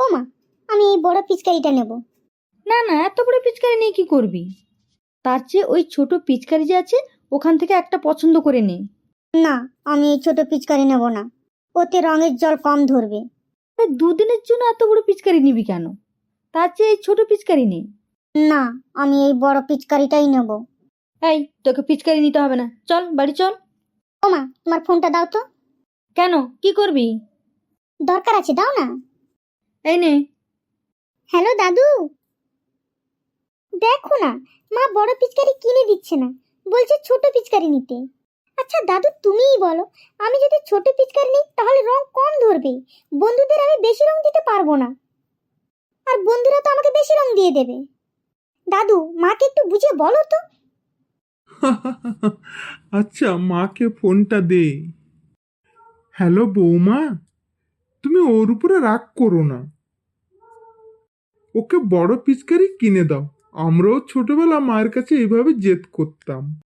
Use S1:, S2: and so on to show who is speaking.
S1: ও মা, আমি এই বড় পিচকারিটা নেব।
S2: না না, এত বড় পিচকারি নিয়ে কি করবি? তার চেয়ে ওই ছোট পিচকারি যে আছে ওখান থেকে একটা পছন্দ করে নে।
S1: না, আমি এই ছোট পিচকারি নেব না, ওতে রঙের জল কম ধরবে।
S2: দুদিনের জন্য এত বড় পিচকারি নিবি কেন? তার চেয়ে এই ছোট পিচকারি নে।
S1: না, আমি এই বড় পিচকারিটাই নেব।
S2: এই, তোকে পিচকারি নিতে হবে না, চল বাড়ি চল।
S1: ও মা, তোমার ফোনটা দাও তো।
S2: কেন, কি করবি?
S1: দরকার আছে, দাও না।
S2: এই নে।
S1: হ্যালো দাদু, দেখো না, মা বড় পিচকারি কিনে দিচ্ছে না, বলছে ছোট পিচকারি নিতে। আচ্ছা দাদু, তুমিই বলো, আমি যদি ছোট পিচকারি নিই তাহলে রং কম ধরবে, বন্ধুদের আমি বেশি রং দিতে পারবো না, আর বন্ধুরা তো আমাকে বেশি রং দিয়ে দেবে। দাদু, মাকে একটু বুঝিয়ে বলো তো।
S3: আচ্ছা, মাকে ফোনটা দে। হ্যালো বৌমা, তুমি ওর উপরে রাগ করো না, ওকে বড় পিচকারি কিনে দাও। আমরাও ছোটবেলা মায়ের কাছে এইভাবে জেদ করতাম।